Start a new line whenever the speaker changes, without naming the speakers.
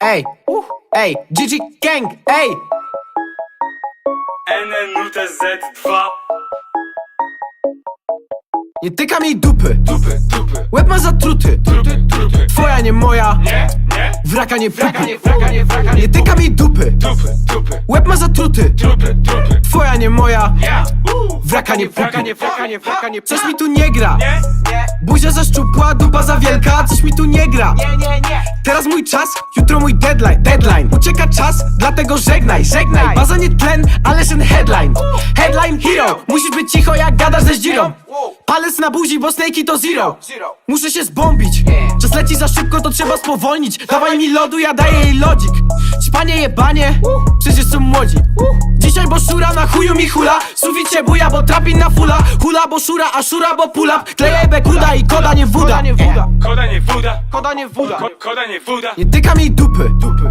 ej, ej, GG Gang, ej.
NNUTZ2.
Nie tyka mi dupy,
Dupy.
łeb ma zatruty.
Trupy.
Twoja nie moja,
Nie.
wraka nie
Wraka
pupi.
nie, wraka nie, wraka nie.
Nie tyka mi dupy,
Dupy.
łeb ma zatruty.
Trupy.
Twoja nie moja,
Ja.
wraka nie
Wraka
pupi.
nie, wraka nie.
Coś mi tu nie gra,
Nie.
buzia za szczupła, dupa za wielka. Coś mi tu nie gra.
Nie.
Teraz mój czas, jutro mój deadline. Ucieka czas, dlatego żegnaj. Baza nie tlen, ale ten headline. Headline hero, musisz być cicho jak gadasz ze zdzirą. Palec na buzi, bo snake'i to zero. Muszę się zbombić, czas leci za szybko, to trzeba spowolnić. Dawaj mi lodu, ja daję jej lodzik. Ćpanie jebanie, przecież są młodzi. Dzisiaj bo szura, na chuju mi hula. Suficie buja, bo trapin na fula. Hula bo szura, a szura bo pull up. Kleję bekuda i koda nie wuda.
Koda nie woda.
Koda nie wuda.
Koda nie woda.
Nie tyka mi dupy,